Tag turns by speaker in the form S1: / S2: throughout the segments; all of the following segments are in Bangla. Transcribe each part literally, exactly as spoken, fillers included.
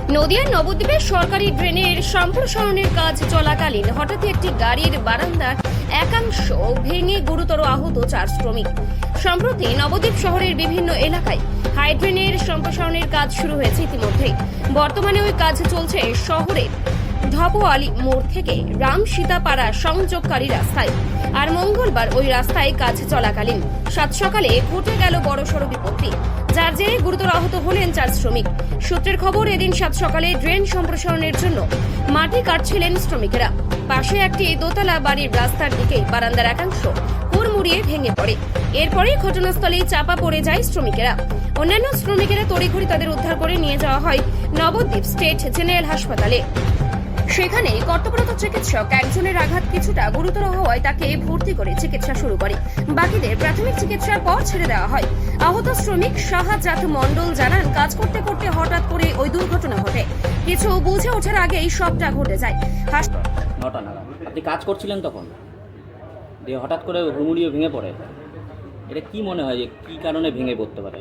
S1: নদিয়ার নবদ্বীপের সরকারি ড্রেনের সম্প্রসারণের কাজ চলাকালীন হঠাৎ একটি গাড়ির বারান্দার একাংশ ভেঙে গুরুতর আহত চার শ্রমিক। সম্প্রতি নবদ্বীপ শহরের বিভিন্ন এলাকায় হাইড্রেনের সম্প্রসারণের কাজ শুরু হয়েছে ইতিমধ্যেই। বর্তমানে ওই কাজ চলছে শহরের ঢপওয়ালি মোড় থেকে রাম সীতাপাড়া সংযোগকারী রাস্তায়। আর মঙ্গলবার ওই রাস্তায় কাজ চলাকালীন সাত সকালে ঘটে গেল বড়সড় বিপত্তি, যার জেরে গুরুতর আহত হলেন চার শ্রমিক। সূত্রের খবর, এদিন সাত সকালে ড্রেন সম্প্রসারণের জন্য মাটি কাটছিলেন শ্রমিকেরা। পাশে একটি দোতলা বাড়ির রাস্তার দিকে বারান্দার একাংশ হুড়মুড়িয়ে ভেঙে পড়ে। এরপরেই ঘটনাস্থলেই চাপা পড়ে যায় শ্রমিকেরা। অন্যান্য শ্রমিকেরা তড়িঘড়ি তাদের উদ্ধার করে নিয়ে যাওয়া হয় নবদ্বীপ স্টেট জেনারেল হাসপাতালে। সেখানে কর্তব্যরত চিকিৎসক একজনের আঘাত কিছুটা গুরুতর হওয়ায় তাকে ভর্তি করে চিকিৎসা শুরু করে। বাকিদের প্রাথমিক চিকিৎসার পর ছেড়ে দেওয়া হয়। আহত শ্রমিক শাহজাত মণ্ডল জানান, কাজ করতে করতে হঠাৎ করে ওই দুর্ঘটনা ঘটে। কিছু বুঝে ওঠার আগেই সবটা ঘটে যায়।
S2: নটা নাগাদ আপনি কাজ করছিলেন তখন, দিয়ে হঠাৎ করে হুড়মুড়িয়ে ভেঙে পড়ে। এটা কি মনে হয় যে কি কারণে ভেঙে পড়তে পারে?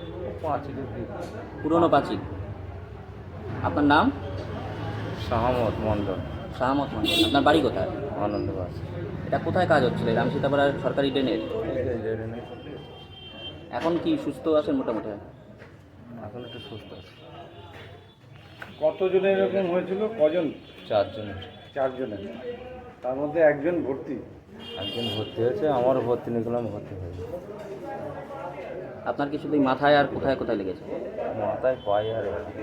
S2: পুরনো পাঁচিল। আপনার নাম?
S3: শাহমত মন্ডল।
S2: শাহমত মন্ডল। আপনার বাড়ি কোথায়?
S3: আনন্দবাস।
S2: এটা কোথায় কাজ হচ্ছিল? রাম সীতাপাড়ার সরকারি ড্রেনের। এখন কি সুস্থ আছেন মোটামুটি?
S3: এখন একটু সুস্থ আছে।
S4: কতজনের এরকম হয়েছিল? কজন?
S3: চারজনের।
S4: চারজনের, তার মধ্যে একজন ভর্তি।
S3: একজন ভর্তি হয়েছে, আমারও ভর্তি নিয়েছিলাম, ভর্তি হয়েছে।
S2: আপনার কি শুধু মাথায় আর কোথায় কোথায় লেগেছে?
S3: মাথায় পাই আর এদিকে।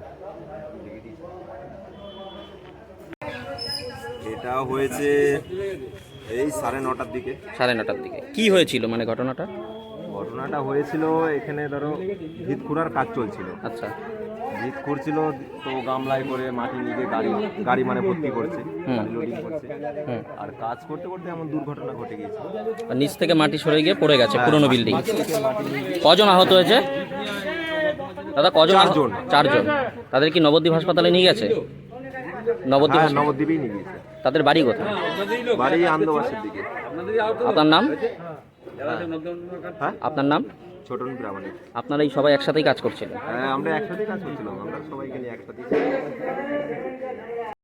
S5: এটা হয়েছে এই সাড়ে নটার দিকে।
S2: সাড়ে নটার দিকে কি হয়েছিল মানে ঘটনাটা?
S5: ঘটনাটা হয়েছিল এখানে ধরো ভিত খুঁড়ার কাজ চলছিল।
S2: আচ্ছা,
S5: ভিত খুঁড়ছিল তো গামলায় করে মাটি নিয়ে গাড়ি গাড়ি মানে ভর্তি করছে,
S2: হুম।
S5: লোডিং করছে।
S2: হুম।
S5: আর কাজ করতে করতে এমন দুর্ঘটনা ঘটে গিয়েছে।
S2: আর নিচ থেকে মাটি সরে গিয়ে পড়ে গেছে পুরনো
S5: হ্যাঁ,
S2: বিল্ডিং।
S5: মাটি থেকে মাটি নিয়ে গিয়ে-
S2: কজন আহত হয়েছে দাদা? কজন? আহত?
S5: চারজন।
S2: চারজন। তাদের কি নবদ্বীপ হাসপাতালে নিয়ে গেছে? নবদ্বীপ
S5: হ্যাঁ,
S2: হাসপাতালে।
S5: নবদ্বীপেই নিয়ে গিয়েছে।
S2: তাদের বাড়ি কোথায়?
S5: বাড়ি আনন্দবাসের দিকে।
S2: আপনার নাম?
S5: হ্যাঁ,
S2: আপনার নাম?
S5: ছোটন প্রামাণিক।
S2: আপনারা এই সবাই একসাথেই কাজ করছিলেন?
S5: হ্যাঁ, আমরা একসাথেই কাজ করছিলাম। আমরা সবাইকে নিয়ে একসাথেই